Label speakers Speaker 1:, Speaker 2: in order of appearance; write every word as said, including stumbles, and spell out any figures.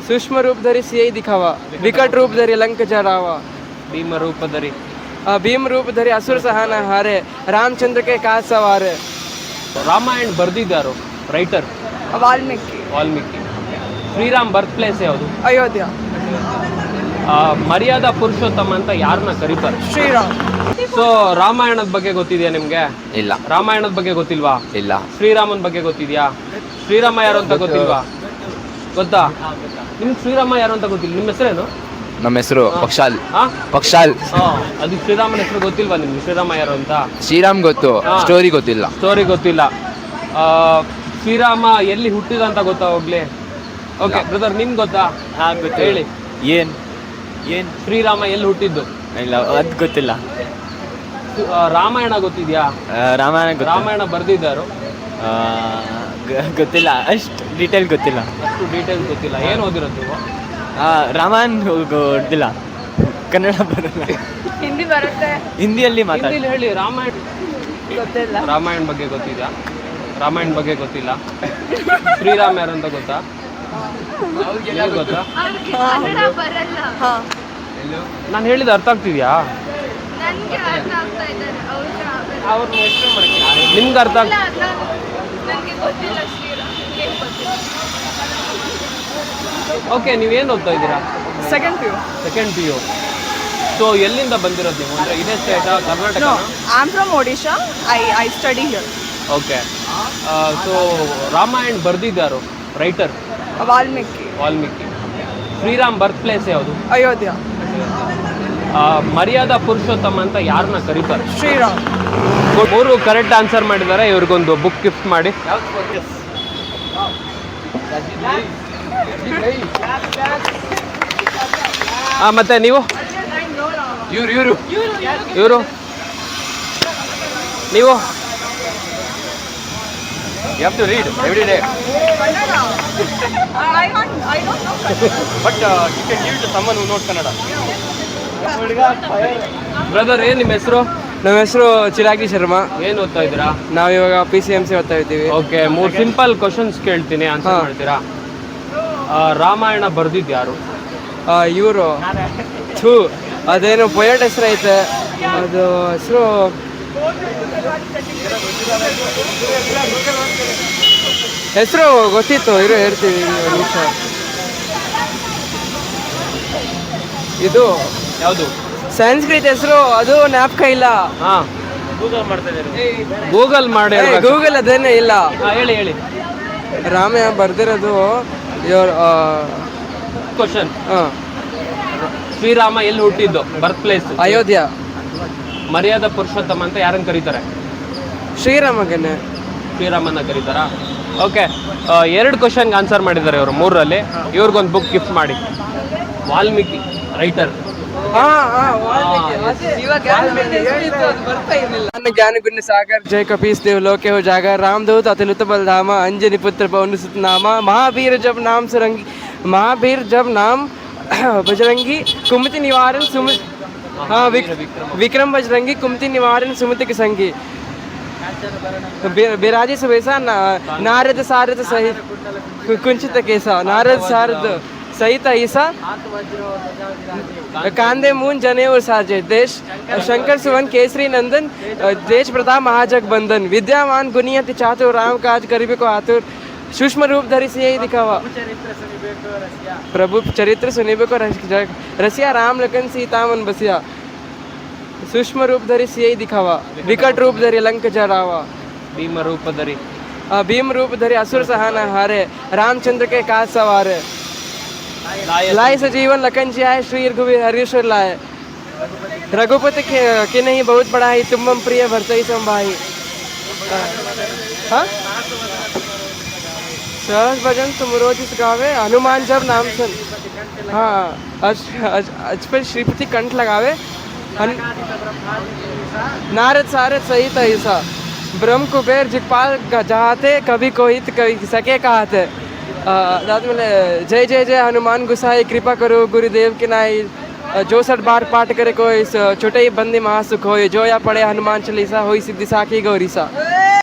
Speaker 1: सूक्ष्म रूप धरि सियई दिखावा, विकट रूप धरि लंक जरावा,
Speaker 2: ಭೀಮ ರೂಪ ಧರಿ.
Speaker 1: आ, भीम रूप धरि असुर सहाना हारे, रामचंद्र के काज सवारे.
Speaker 2: ರಾಮಾಯಣ ಬರ್ದಿದ್ದಾರು writer?
Speaker 1: Valmiki.
Speaker 2: Valmiki. Shriram birth place ಯಾವುದು?
Speaker 1: अयोध्या.
Speaker 2: ಆ, ಮರ್ಯಾದಾ ಪುರುಷೋತ್ತಮ ಅಂತ ಯಾರನ್ನ ಕರೀತಾರೆ?
Speaker 1: श्रीराम.
Speaker 2: ಸೊ ರಾಮಾಯಣದ ಬಗ್ಗೆ ಗೊತ್ತಿದೆಯಾ ನಿಮ್ಗೆ?
Speaker 3: ಇಲ್ಲ.
Speaker 2: ರಾಮಾಯಣದ ಬಗ್ಗೆ ಗೊತ್ತಿಲ್ವಾ?
Speaker 3: ಇಲ್ಲ.
Speaker 2: ಶ್ರೀರಾಮನ್ ಬಗ್ಗೆ ಗೊತ್ತಿದ್ಯಾ? ಶ್ರೀರಾಮ ಯಾರು ಅಂತ ಗೊತ್ತಿಲ್ವಾ? ಗೊತ್ತಾ? ನಿಮ್ಗೆ ಶ್ರೀರಾಮ ಯಾರು ಅಂತ ಗೊತ್ತಿಲ್ಲ. ನಿಮ್ಮ ಹೆಸರೇನು?
Speaker 3: ನಮ್ಮ ಹೆಸರು ಪಕ್ಷಾಲ್.
Speaker 2: ಹಾ
Speaker 3: ಪಕ್ಷಾಲ್.
Speaker 2: ಹಾ, ಅದು ಶ್ರೀರಾಮನ ಹೆಸರು ಗೊತ್ತಿಲ್ವಾ ನಿಮ್ಗೆ? ಶ್ರೀರಾಮ ಯಾರು ಅಂತ?
Speaker 3: ಶ್ರೀರಾಮ್ ಗೊತ್ತು,
Speaker 2: ಹಾ.
Speaker 3: ಸ್ಟೋರಿ ಗೊತ್ತಿಲ್ಲ.
Speaker 2: ಸ್ಟೋರಿ ಗೊತ್ತಿಲ್ಲ. ಆ, ಶ್ರೀರಾಮ ಎಲ್ಲಿ ಹುಟ್ಟಿದ ಅಂತ ಗೊತ್ತಾ ಹೋಗ್ಲಿ? ಓಕೆ ಬ್ರದರ್, ನಿಮ್ಗೆ ಗೊತ್ತಾ?
Speaker 4: ಹಾ ಗೊತ್ತು.
Speaker 2: ಹೇಳಿ.
Speaker 4: ಏನ್ ಏನ್
Speaker 2: ಶ್ರೀರಾಮ ಎಲ್ಲಿ ಹುಟ್ಟಿದ್ದು?
Speaker 4: ಇಲ್ಲ ಅದು ಗೊತ್ತಿಲ್ಲ.
Speaker 2: ಆ, ರಾಮಾಯಣ ಗೊತ್ತಿದ್ಯಾ?
Speaker 4: ಆ, ರಾಮಾಯಣ ಗೊತ್ತು.
Speaker 2: ರಾಮಾಯಣ ಬರ್ದಿದ್ದಾರು?
Speaker 4: ಆ, ಗ- ಗೊತ್ತಿಲ್ಲ, ಅಷ್ಟು ಡೀಟೇಲ್ ಗೊತ್ತಿಲ್ಲ.
Speaker 2: ಅಷ್ಟು ಡೀಟೇಲ್ಸ್ ಗೊತ್ತಿಲ್ಲ. ಏನು ಓದಿರೋದು ನೀವು?
Speaker 4: ಆ, ರಾಮಾಯಣ ಗೊತ್ತಿಲ್ಲ. ಕನ್ನಡ ಬರಲ್ಲ,
Speaker 1: हिंदी बरते.
Speaker 4: ಹಿಂದಿಯಲ್ಲಿ ಮಾತಾಡಿ.
Speaker 2: ಹಿಂದಿಲಿ ಹೇಳಿ. ರಾಮಾಯಣ
Speaker 1: ಗೊತ್ತಿಲ್ಲ.
Speaker 2: ರಾಮಾಯಣ ಬಗ್ಗೆ ಗೊತ್ತಿದ್ಯಾ? ರಾಮಾಯಣ ಬಗ್ಗೆ ಗೊತ್ತಿಲ್ಲ. ಶ್ರೀರಾಮ್ ಯಾರು ಅಂತ ಗೊತ್ತಾ? ನಿಮ್ಗೆ ಗೊತ್ತಾ?
Speaker 5: ಕನ್ನಡ ಬರಲ್ಲ.
Speaker 1: ಹಾ.
Speaker 2: ನಾನು ಹೇಳಿದ ಅರ್ಥ ಆಗ್ತಿದ್ಯಾ?
Speaker 5: ನನ್ಗೆ ಅರ್ಥ ಆಗ್ತಾ ಇದ್ದಾರೆ ಅವ್ರಿಗೆ ಆಗಲ್ಲ.
Speaker 2: ಅವ್ರನ್ನ ಎಕ್ಸ್ಪ್ಲೇನ್ ಮಾಡಕ್ಕೆ ನಿಮ್ಗೆ ಅರ್ಥ ಆಗ್
Speaker 5: ಇಲ್ಲ, ನಾನು- ನನ್ಗೆ ಗೊತ್ತಿಲ್ಲ ಶ್ರೀರಾಮ್ ಏನ್ ಗೊತ್ತಿಲ್ಲ.
Speaker 2: ಓಕೆ, ನೀವೇನು ಓದ್ತಾ ಇದ್ದೀರಾ?
Speaker 1: Second P U.
Speaker 2: Second P U. So ಎಲ್ಲಿಂದ ಬಂದಿರೋದು ನೀವು? ಅಂದರೆ ಇದೇ ಸ್ಟೇಟಾ, Karnataka?
Speaker 1: No, I'm from Odisha. I I study here.
Speaker 2: ಓಕೆ. ಸೊ ರಾಮಾಯಣ ಬರ್ದಿದ್ದಾರು writer?
Speaker 1: Valmiki.
Speaker 2: Valmiki. Shriram birth place ಯಾವುದು?
Speaker 1: अयोध्या.
Speaker 2: ಆ, ಮರ್ಯಾದಾ ಪುರುಷೋತ್ತಮ ಅಂತ ಯಾರನ್ನ ಕರೀತಾರೆ?
Speaker 1: श्रीराम.
Speaker 2: ಮೂರು ಕರೆಕ್ಟ್ ಆನ್ಸರ್ ಮಾಡಿದ್ದಾರೆ. ಇವ್ರಿಗೊಂದು ಬುಕ್ ಗಿಫ್ಟ್ ಮಾಡಿ. ಆ, ಮತ್ತೆ ನೀವು?
Speaker 3: ಇವ್ರು ಇವರು
Speaker 2: ಇವರು ನೀವು?
Speaker 3: You have to read every day.
Speaker 1: I want. I don't know.
Speaker 3: But you can give to someone who not Kannada.
Speaker 2: Brother, ಏನು ನಿಮ್ಮ ಹೆಸರು?
Speaker 1: ನಮ್ಮ ಹೆಸರು ಚಿರಾಗಿ ಶರ್ಮಾ.
Speaker 2: ಏನು ಓದ್ತಾ ಇದ್ದೀರಾ?
Speaker 1: ನಾವಿವಾಗ ಪಿ ಸಿ ಎಮ್ ಸಿ ಓದ್ತಾ ಇದ್ದೀವಿ.
Speaker 2: ಓಕೆ, ಮೂರು ಸಿಂಪಲ್ ಕ್ವಶನ್ಸ್ ಕೇಳ್ತೀನಿ, ಆನ್ಸರ್
Speaker 1: ಹಾ.
Speaker 2: ಮಾಡ್ತೀರಾ? ಆ, ರಾಮಾಯಣ ಬರ್ದಿದ್ದು ಯಾರು?
Speaker 1: ಇವರು ಥೂ ಅದೇನು ಪೊಯಟ್ ಹೆಸರು ಐತೆ, ಅದು ಹೆಸರು ಹೆಸರು ಗೊತ್ತಿತ್ತು, ಇರು ಹೇಳ್ತೀವಿ ಒಂದು ನಿಮಿಷ. ಇದು
Speaker 2: ಯಾವುದು?
Speaker 1: ಸಂಸ್ಕೃತ ಹೆಸರು, ಅದು ಜ್ಞಾಪಕ ಇಲ್ಲ.
Speaker 2: ಹಾ, ಗೂಗಲ್ ಮಾಡಿ.
Speaker 1: ಗೂಗಲ್ ಅದೇನೇ ಇಲ್ಲ.
Speaker 2: ಹಾ, ಹೇಳಿ ಹೇಳಿ.
Speaker 1: ರಾಮ ಬರ್ದಿರೋದು ಇವ್ರು
Speaker 2: ಕ್ವಶನ್.
Speaker 1: ಹಾಂ
Speaker 2: ಶ್ರೀರಾಮ ಎಲ್ಲಿ ಹುಟ್ಟಿದ್ದು? Birth place?
Speaker 1: ಅಯೋಧ್ಯ.
Speaker 2: ಮರ್ಯಾದಾ ಪುರುಷೋತ್ತಮ ಅಂತ ಯಾರನ್ನ ಕರೀತಾರೆ?
Speaker 1: ಶ್ರೀರಾಮಗನೆ.
Speaker 2: ಶ್ರೀರಾಮನ್ನ ಕರೀತಾರಾ? ಓಕೆ, ಎರಡು ಕ್ವಶನ್ಗೆ ಆನ್ಸರ್ ಮಾಡಿದ್ದಾರೆ ಇವರು ಮೂರರಲ್ಲಿ. ಇವ್ರಿಗೊಂದು ಬುಕ್ ಗಿಫ್ಟ್ ಮಾಡಿ. ವಾಲ್ಮೀಕಿ ರೈಟರ್.
Speaker 1: ज्ञान गुण सागर जय कपीस देव लोके हो जागर, रामदूत अतुलित बलधामा, अंजनी पुत्र पवन सुत नामा, महावीर जब नाम सुरंगी, महावीर जब नाम बजरंगी, कुमति निवारण सुमति, हाँ विक्रम बजरंगी, कुमति निवारण सुमति के संगी, बिराजी सुबेसा, नारद सारद सहित कुंचित केसा, नारद सारद सहित ईसा, कांदे मून जने और साजे, देश शंकर सुवन केसरी नंदन, देश प्रताप महाजग बंदन, विद्यावान गुनियति चातुर, राम काज करिबे को आतुर, सूक्ष्म रूप धरि सियई दिखावा, प्रभु चरित्र सुनिबे को रसिया, राम लखन सीता मन बसिया, सूक्ष्म रूप धरि सियई दिखावा, विकट रूप धरि लंक जरावा,
Speaker 2: ಭೀಮ ರೂಪ ಧರಿ.
Speaker 1: आ, भीम रूप धरि असुर सहाना हारे, रामचंद्र के काज सवारे, लाए सजीवन लखन जी आए, श्री रघुवीर हरीश्वर लाए, रघुपति के, के नहीं बहुत बड़ा ही, तुम मम प्रिय भरतई संभाई. हाँ, सहज भजन तुम रोज इस गावे, हनुमान जब नाम सुन, हाँ अज अज अज पर श्रीपति कंठ लगावे, नारद सारद सहित ऐसा, ब्रह्म कुबेर जिपाल जहाते, कभी कोई कभी सके कहते. ಅದಾದಮೇಲೆ ಜೈ ಜೈ ಜೈ ಹನುಮಾನ್ ಗುಸಾಯಿ, ಕೃಪಾ ಕರು ಗುರುದೇವ್ की नाई, जो सठ बार पाठ करे कोई छोटे ही बंदी महासुख होय, जो या पढ़े हनुमान चालीसा होई सिद्धि साखी गौरीसा.